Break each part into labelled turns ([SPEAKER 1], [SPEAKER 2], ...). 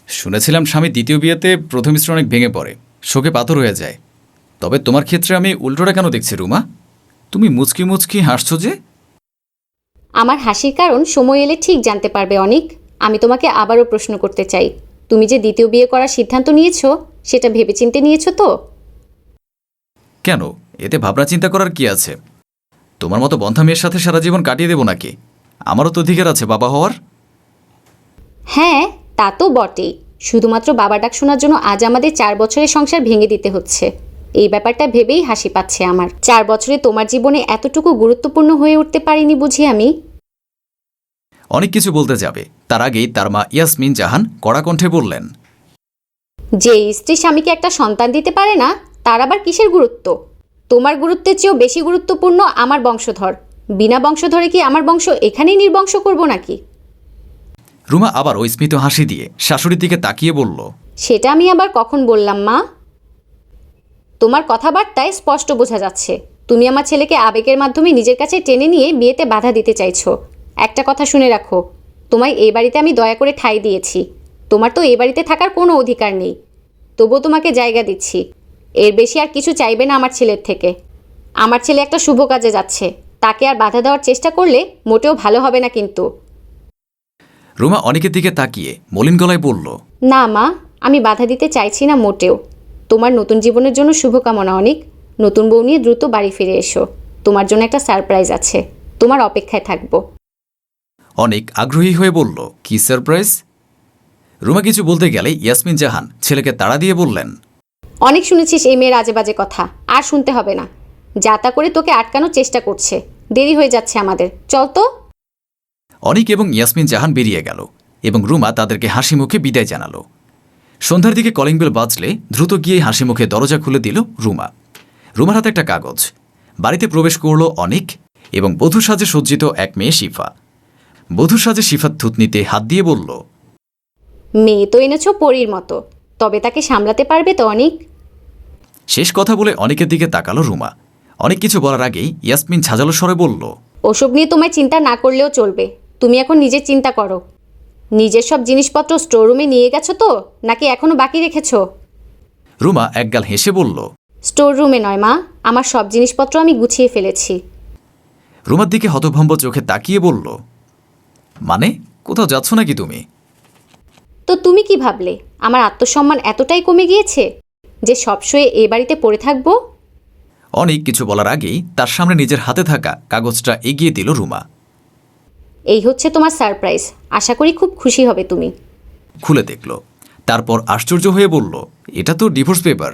[SPEAKER 1] শুনেছিলাম স্বামী দ্বিতীয় বিয়েতে প্রথম স্ত্রী অনেক ভেঙে পড়ে, শোকে পাথর হয়ে যায়। তবে তোমার ক্ষেত্রে আমি উল্টোটা কেন দেখছি রুমা? তুমি মুচকি মুচকি হাসছো যে?
[SPEAKER 2] আমার হাসির কারণ সময় এলে ঠিক জানতে পারবে অনিক। আমি তোমাকে আবারও প্রশ্ন করতে চাই, তুমি যে দ্বিতীয় বিয়ে করার সিদ্ধান্ত নিয়েছো সেটা ভেবেচিন্তে নিয়েছো তো?
[SPEAKER 1] কেন, এতে ভাবনা চিন্তা করার কি আছে? তোমার মতো বন্ধা মেয়ের সাথে সারা জীবন কাটিয়ে দেবো নাকি? আমারও তো অধিকার আছে বাবা হওয়ার।
[SPEAKER 2] হ্যাঁ, তা তো বটেই। শুধুমাত্র বাবা ডাক শোনার জন্য আজ আমাদের 4 বছরের সংসার ভেঙে দিতে হচ্ছে। এই ব্যাপারটা ভেবেই হাসি পাচ্ছে আমার। 4 বছরে তোমার জীবনে এতটুকু গুরুত্বপূর্ণ হয়ে উঠতে পারিনি বুঝি আমি?
[SPEAKER 1] অনেক কিছু বলতে যাবে, তার আগেই তার মা ইয়াসমিন জাহান কড়া কণ্ঠে বললেন,
[SPEAKER 2] যে স্ত্রী স্বামীকে একটা সন্তান দিতে পারে না, তার আবার কিসের গুরুত্ব? তোমার গুরুত্বের চেয়েও বেশি গুরুত্বপূর্ণ আমার বংশধর। বিনা বংশধরে কি আমার বংশ এখানেই নির্বংশ করব নাকি?
[SPEAKER 1] রুমা আবার ওই স্মিত হাসি দিয়ে শাশুড়ির দিকে তাকিয়ে বলল,
[SPEAKER 2] সেটা আমি আবার কখন বললাম মা? তোমার কথাবার্তায় স্পষ্ট বোঝা যাচ্ছে তুমি আমার ছেলেকে আবেগের মাধ্যমে নিজের কাছে টেনে নিয়ে বিয়েতে বাধা দিতে চাইছো। একটা কথা শুনে রাখো, তোমায় এই বাড়িতে আমি দয়া করে ঠাঁই দিয়েছি। তোমার তো এই বাড়িতে থাকার কোনো অধিকার নেই, তবুও তোমাকে জায়গা দিচ্ছি। এর বেশি আর কিছু চাইবে না আমার ছেলের থেকে। আমার ছেলে একটা শুভ কাজে যাচ্ছে, তাকে আর বাধা দেওয়ার চেষ্টা করলে মোটেও ভালো হবে না কিন্তু।
[SPEAKER 1] রুমা অনেকের দিকে তাকিয়ে মলিন গলায় বলল,
[SPEAKER 2] না মা, আমি বাধা দিতে চাইছি না মোটেও। তোমার নতুন জীবনের জন্য শুভকামনা অনিক। নতুন বউ নিয়ে দ্রুত বাড়ি ফিরে এসো। তোমার জন্য একটা সারপ্রাইজ আছে, তোমার অপেক্ষায় থাকবো।
[SPEAKER 1] অনেক আগ্রহী হয়ে বলল, কি সারপ্রাইজ? রুমা কিছু বলতে গেলে ইয়াসমিন জাহান ছেলেকে তাড়া দিয়ে বললেন,
[SPEAKER 2] অনেক শুনেছিস এই মেয়ের আজে বাজে কথা, আর শুনতে হবে না। যা তা করে তোকে আটকানোর চেষ্টা করছে। দেরি হয়ে যাচ্ছে আমাদের, চল তো।
[SPEAKER 1] অনিক এবং ইয়াসমিন জাহান বেরিয়ে গেল এবং রুমা তাদেরকে হাসি মুখে বিদায় জানালো। সন্ধ্যার দিকে কলিং বেল বাজলে দ্রুত গিয়ে হাসি মুখে দরজা খুলে দিল রুমা। রুমার হাতে একটা কাগজ। বাড়িতে প্রবেশ করল অনিক এবং বধূ সাজে সজ্জিত এক মেয়ে শিফা। বধূ সাজে শিফার থুতনিতে হাত দিয়ে বলল,
[SPEAKER 2] মেয়ে তো এনেছো পরীর মতো, তবে তাকে সামলাতে পারবে তো অনিক?
[SPEAKER 1] শেষ কথা বলে অনেকের দিকে তাকালো রুমা। অনেক কিছু বলার আগেই ইয়াসমিন ঝাঁঝালো স্বরে বলল,
[SPEAKER 2] ওসব নিয়ে তোমায় চিন্তা না করলেও চলবে। তুমি এখন নিজের চিন্তা করো। নিজের সব জিনিসপত্র স্টোররুমে নিয়ে গেছো তো, নাকি এখনো বাকি রেখেছো?
[SPEAKER 1] রুমা একগাল হেসে বলল,
[SPEAKER 2] স্টোর রুমে নয় মা, আমার সব জিনিসপত্র আমি গুছিয়ে ফেলেছি।
[SPEAKER 1] রুমার দিকে হতভম্ব চোখে তাকিয়ে বলল, মানে কোথাও যাচ্ছ নাকি তুমি?
[SPEAKER 2] তো তুমি কি ভাবলে আমার আত্মসম্মান এতটাই কমে গিয়েছে যে সবসময় এ বাড়িতে পড়ে থাকবো?
[SPEAKER 1] অনেক কিছু বলার আগেই তার সামনে নিজের হাতে থাকা কাগজটা এগিয়ে দিল রুমা।
[SPEAKER 2] এই হচ্ছে তোমার সারপ্রাইজ, আশা করি খুব খুশি হবে তুমি।
[SPEAKER 1] খুলে দেখল, তারপর আশ্চর্য হয়ে বলল, এটা তো ডিভোর্স পেপার।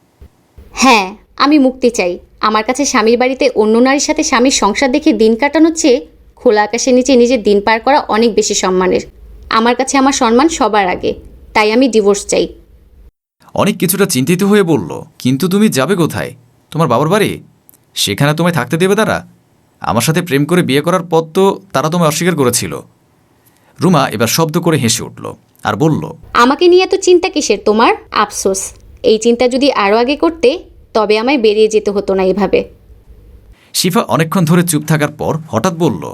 [SPEAKER 2] হ্যাঁ, আমি মুক্তি চাই। আমার কাছে স্বামীর বাড়িতে অন্য নারীর সাথে স্বামীর সংসার দেখে দিন কাটানোর চেয়ে খোলা আকাশের নিচে নিজের দিন পার করা অনেক বেশি সম্মানের। আমার কাছে আমার সম্মান সবার আগে, তাই আমি ডিভোর্স চাই।
[SPEAKER 1] অনেক কিছুটা চিন্তিত হয়ে বলল, কিন্তু তুমি যাবে কোথায়? তোমার বাবার বাড়ি? সেখানে তোমায় থাকতে দেবে তারা? আমার সাথে প্রেম করে বিয়ে করার পর তো তারা তোমায় অস্বীকার করেছিল। রুমা এবার শব্দ করে হেসে উঠল আর বলল,
[SPEAKER 2] আমাকে নিয়ে এত চিন্তা কিসের তোমার? আফসোস, এই চিন্তা যদি আরও আগে করতে তবে আমায় বেরিয়ে যেতে হতো না এভাবে।
[SPEAKER 1] শিফা অনেকক্ষণ ধরে চুপ থাকার পর হঠাৎ বলল,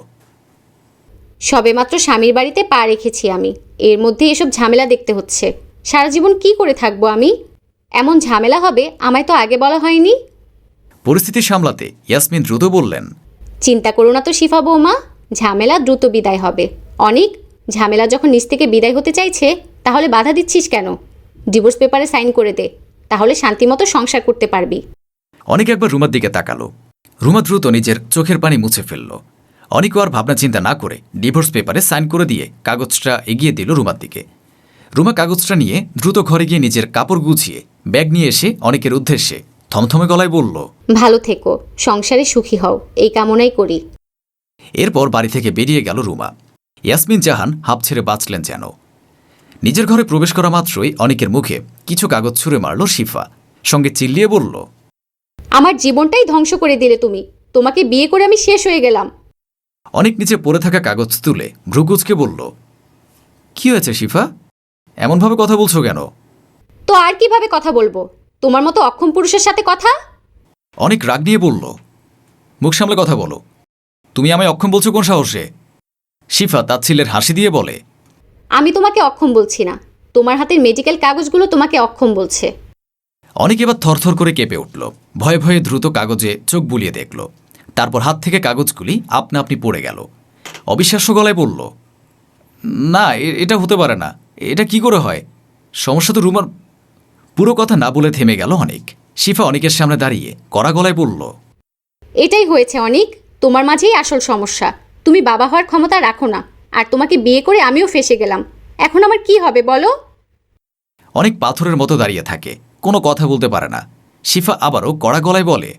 [SPEAKER 2] সবেমাত্র স্বামীর বাড়িতে পা রেখেছি আমি, এর মধ্যে এসব ঝামেলা দেখতে হচ্ছে। সারা জীবন কি করে থাকবো আমি? এমন ঝামেলা হবে আমায় তো আগে বলা হয়নি।
[SPEAKER 1] পরিস্থিতি সামলাতে ইয়াসমিন দ্রুত বললেন,
[SPEAKER 2] চিন্তা করো না তো শিফা বৌমা, ঝামেলা দ্রুত বিদায় হবে। অনেক ঝামেলা যখন নিজ থেকে বিদায় হতে চাইছে, তাহলে বাধা দিচ্ছিস কেন? ডিভোর্স পেপারে সাইন করে দে, তাহলে শান্তিমতো সংসার করতে পারবি।
[SPEAKER 1] অনেক একবার রুমার দিকে তাকালো। রুমা দ্রুত নিজের চোখের পানি মুছে ফেলল। অনেকও আর ভাবনা চিন্তা না করে ডিভোর্স পেপারে সাইন করে দিয়ে কাগজটা এগিয়ে দিল রুমার দিকে। রুমা কাগজটা নিয়ে দ্রুত ঘরে গিয়ে নিজের কাপড় গুছিয়ে ব্যাগ নিয়ে এসে অনেকের উদ্দেশ্যে থমথমে গলায় বলল,
[SPEAKER 2] ভালো থেকো, সংসারে সুখী হও, এই কামনাই করি।
[SPEAKER 1] এরপর বাড়ি থেকে বেরিয়ে গেল রুমা। ইয়াসমিন জাহান হাঁপ ছেড়ে বাঁচলেন যেন। নিজের ঘরে প্রবেশ করা মাত্রই অনেকের মুখে কিছু কাগজ ছুঁড়ে মারল শিফা, সঙ্গে চিল্লিয়ে বলল,
[SPEAKER 2] আমার জীবনটাই ধ্বংস করে দিলে তুমি। তোমাকে বিয়ে করে আমি শেষ হয়ে গেলাম।
[SPEAKER 1] অনেক নিচে পড়ে থাকা কাগজ তুলে ভ্রুকুচকে বলল, কি হয়েছে শিফা? এমনভাবে কথা বলছো কেন?
[SPEAKER 2] তো আর কিভাবে কথা বলবো? তোমার মতো অক্ষম পুরুষের সাথে কথা?
[SPEAKER 1] অনেক রাগ নিয়ে বলল, মুখ সামলে কথা বলো। তুমি আমায় অক্ষম বলছো কোন সাহসে? শিফা তাচ্ছিল্যের হাসি দিয়ে বলে,
[SPEAKER 2] আমি তোমাকে অক্ষম বলছি না, তোমার হাতের মেডিকেল কাগজগুলো তোমাকে অক্ষম বলছে।
[SPEAKER 1] অনেক এবার থরথর করে কেঁপে উঠল, ভয়ে ভয়ে দ্রুত কাগজে চোখ বুলিয়ে দেখল। তারপর হাত থেকে কাগজগুলি আপনা আপনি পড়ে গেল। অবিশ্বাস্য গলায় বলল, না, এটা হতে পারে না। এটা কি করে হয়? সমস্যা তো রুমার। পুরো কথা না বলে থেমে গেল অনেক। শিফা অনেকের সামনে দাঁড়িয়ে কড়া গলায় বলল,
[SPEAKER 2] এটাই হয়েছে অনেক, তোমার মাঝেই আসল সমস্যা। তুমি বাবা হওয়ার ক্ষমতা রাখো না, আর তোমাকে বিয়ে করে আমিও ফেঁসে গেলাম। এখন আমার কি হবে বলো?
[SPEAKER 1] অনেক পাথরের মতো দাঁড়িয়ে থাকে, কোনো কথা বলতে পারে না। শিফা আবারও কড়া গলায় বলে,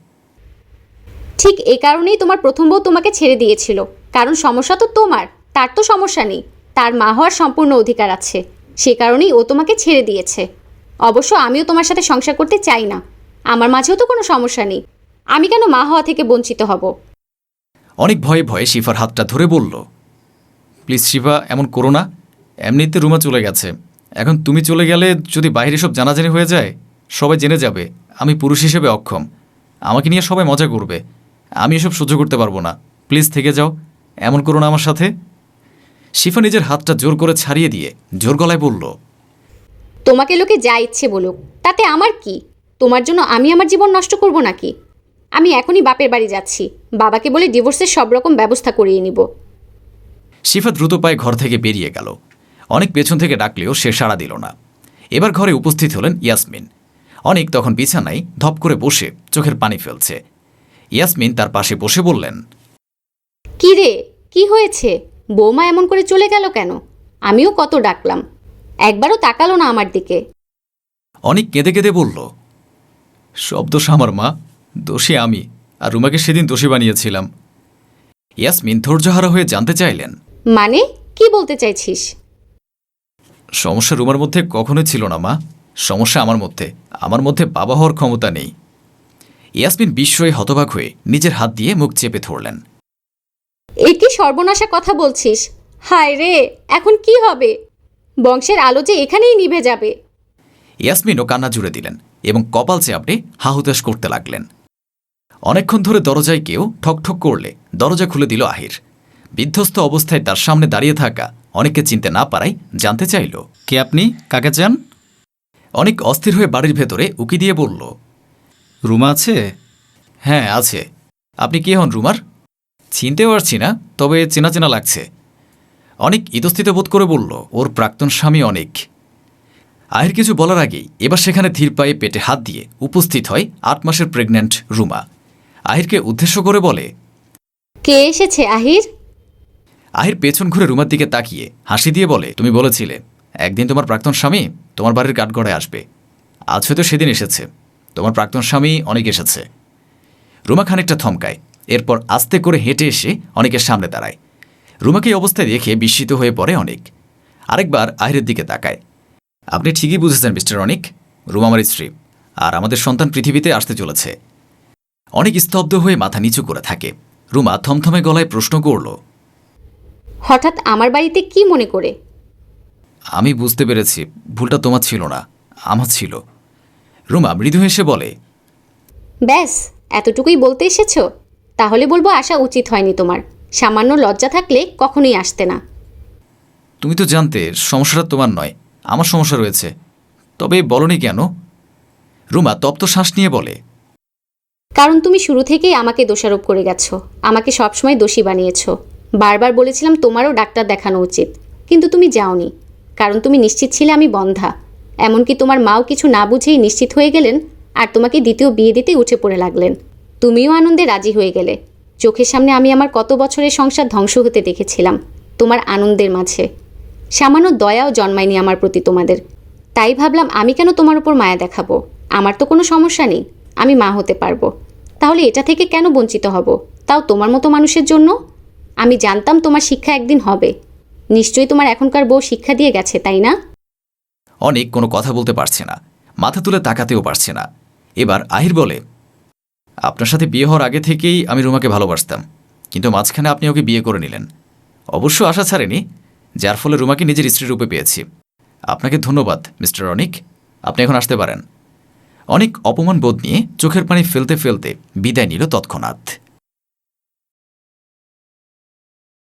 [SPEAKER 2] ঠিক এ কারণেই তোমার প্রথম বউ তোমাকে ছেড়ে দিয়েছিল, কারণ সমস্যা তো তোমার, তার তো সমস্যা নেই। তার মা হওয়ার সম্পূর্ণ অধিকার আছে, সে কারণেই ও তোমাকে ছেড়ে দিয়েছে। অবশ্য আমিও তোমার সাথে সংসার করতে চাই না, আমার মাঝেও তো কোনো সমস্যা নেই। আমি কেন মা হওয়া থেকে বঞ্চিত হব?
[SPEAKER 1] অনেক ভয়ে ভয়ে শিফার হাতটা ধরে বলল, প্লিজ শিফা, এমন করো না। এমনিতে রুমা চলে গেছে, এখন তুমি চলে গেলে যদি বাইরে সব জানাজানি হয়ে যায়, সবাই জেনে যাবে আমি পুরুষ হিসেবে অক্ষম। আমাকে নিয়ে সবাই মজা করবে, আমি এসব সহ্য করতে পারবো না। প্লিজ থেকে যাও, এমন করো না আমার সাথে। শিফা নিজের হাতটা জোর করে ছাড়িয়ে দিয়ে জোর গলায় বলল,
[SPEAKER 2] তোমাকে লোকে যা ইচ্ছে বলুক, তাতে আমার কি? তোমার জন্য আমি আমার জীবন নষ্ট করব নাকি? আমি এখনই বাপের বাড়ি যাচ্ছি, বাবাকে বলে ডিভোর্সের সব রকম ব্যবস্থা করিয়ে নিব।
[SPEAKER 1] শিফা দ্রুত পায়ে ঘর থেকে বেরিয়ে গেল। অনেক পেছন থেকে ডাকলেও সে সাড়া দিল না। এবার ঘরে উপস্থিত হলেন ইয়াসমিন। অনেক তখন বিছানায় ধপ করে বসে চোখের পানি ফেলছে। ইয়াসমিন তার পাশে বসে বললেন,
[SPEAKER 2] কি রে, কি হয়েছে? বৌমা এমন করে চলে গেল কেন? আমিও কত ডাকলাম, একবারও তাকালো না আমার দিকে।
[SPEAKER 1] অনেক কেঁদে কেঁদে বলল, সব দোষ আমার মা, দোষী আমি, আর রুমাকে সেদিন দোষী বানিয়েছিলাম। ইয়াসমিন ধৈর্যহারা হয়ে জানতে চাইলেন,
[SPEAKER 2] মানে কি বলতে চাইছিস?
[SPEAKER 1] সমস্যা রুমার মধ্যে কখনোই ছিল না মা, সমস্যা আমার মধ্যে বাবা হওয়ার ক্ষমতা নেই। ইয়াসমিন বিস্ময়ে হতবাক হয়ে নিজের হাত দিয়ে মুখ চেপে ধরলেন।
[SPEAKER 2] এ কি সর্বনাশা কথা বলছিস? হায় রে, এখন কি হবে? বংশের আলো যে এখানেই নিভে যাবে।
[SPEAKER 1] ইয়াসমিনও কান্না জুড়ে দিলেন এবং কপাল চেপে হাহুতাশ করতে লাগলেন। অনেকক্ষণ ধরে দরজায় কেউ ঠকঠক করলে দরজা খুলে দিল আহির। বিধ্বস্ত অবস্থায় তার সামনে দাঁড়িয়ে থাকা অনেককে চিনতে না পারায় জানতে চাইল, কে আপনি, কাকে চান? অনেক অস্থির হয়ে বাড়ির ভেতরে উকি দিয়ে বলল, রুমা আছে? হ্যাঁ আছে। আপনি কে হন রুমার? চিনতে পারছি না, তবে চেনা চেনা লাগছে। অনেক ইতস্থিত বোধ করে বলল, ওর প্রাক্তন স্বামী অনেক। আহির কিছু বলার আগেই এবার সেখানে ধীর পায়ে পেটে হাত দিয়ে উপস্থিত হয় ৮ মাসের প্রেগন্যান্ট রুমা। আহিরকে উদ্দেশ্য করে বলে,
[SPEAKER 2] কে এসেছে আহির?
[SPEAKER 1] আহির পেছন ঘুরে রুমার দিকে তাকিয়ে হাসি দিয়ে বলে, তুমি বলেছিলে একদিন তোমার প্রাক্তন স্বামী তোমার বাড়ির কাঠগড়ায় আসবে। আজ হয়তো সেদিন এসেছে। তোমার প্রাক্তন স্বামী অনেক এসেছে। রুমা খানিকটা থমকায়, এরপর আস্তে করে হেঁটে এসে অনেকের সামনে দাঁড়ায়। রুমাকে এই অবস্থায় দেখে বিস্মিত হয়ে পড়ে অনেক। আরেকবার আহিরের দিকে তাকায়। আপনি ঠিকই বুঝেছেন মিস্টার অনিক, রুমা আমার স্ত্রী, আর আমাদের সন্তান পৃথিবীতে আসতে চলেছে। অনেক স্তব্ধ হয়ে মাথা নিচু করে থাকে। রুমা থমথমে গলায় প্রশ্ন করল,
[SPEAKER 2] হঠাৎ আমার বাড়িতে কি মনে করে?
[SPEAKER 1] আমি বুঝতে পেরেছি, ভুলটা তোমার ছিল না, আমার ছিল। রুমা মৃদু হেসে বলে,
[SPEAKER 2] ব্যাস এতটুকুই বলতে এসেছো? তাহলে বলবো আসা উচিত হয়নি তোমার। সামান্য লজ্জা থাকলে কখনোই আসতে না।
[SPEAKER 1] তুমি তো জানতে সমস্যাটা তোমার নয়, আমার সমস্যা রয়েছে, তবে বলনি কেন? রুমা তপ্ত শ্বাস নিয়ে বলে,
[SPEAKER 2] কারণ তুমি শুরু থেকেই আমাকে দোষারোপ করে গেছো, আমাকে সবসময় দোষী বানিয়েছো। বারবার বলেছিলাম তোমারও ডাক্তার দেখানো উচিত, কিন্তু তুমি যাওনি, কারণ তুমি নিশ্চিত ছিলে আমি বন্ধা। এমনকি তোমার মাও কিছু না বুঝেই নিশ্চিত হয়ে গেলেন, আর তোমাকে দ্বিতীয় বিয়ে দিতেই উঠে পড়ে লাগলেন। তুমিও আনন্দে রাজি হয়ে গেলে। চোখের সামনে আমি আমার কত বছরের সংসার ধ্বংস হতে দেখেছিলাম তোমার আনন্দের মাঝে। সামান্য দয়াও জন্মায়নি আমার প্রতি তোমাদের। তাই ভাবলাম আমি কেন তোমার উপর মায়া দেখাবো? আমার তো কোনো সমস্যা নেই, আমি মা হতে পারবো। তাহলে এটা থেকে কেন বঞ্চিত হব, তাও তোমার মতো মানুষের জন্য? আমি জানতাম তোমার শিক্ষা একদিন হবে। নিশ্চয়ই তোমার এখনকার বউ শিক্ষা দিয়ে গেছে, তাই না?
[SPEAKER 1] অনেক কোনো কথা বলতে পারছে না, মাথা তুলে তাকাতেও পারছে না। এবার আহির বলে, আপনার সাথে বিয়ে হওয়ার আগে থেকেই আমি রুমাকে ভালোবাসতাম, কিন্তু মাঝখানে আপনি ওকে বিয়ে করে নিলেন। অবশ্য আশা ছাড়েনি, যার ফলে রুমাকে নিজের স্ত্রী রূপে পেয়েছি। আপনাকে ধন্যবাদ মিস্টার অনিক, আপনি এখন আসতে পারেন। অনেক অপমান বোধ নিয়ে চোখের পানি ফেলতে ফেলতে বিদায় নিল তৎক্ষণাৎ।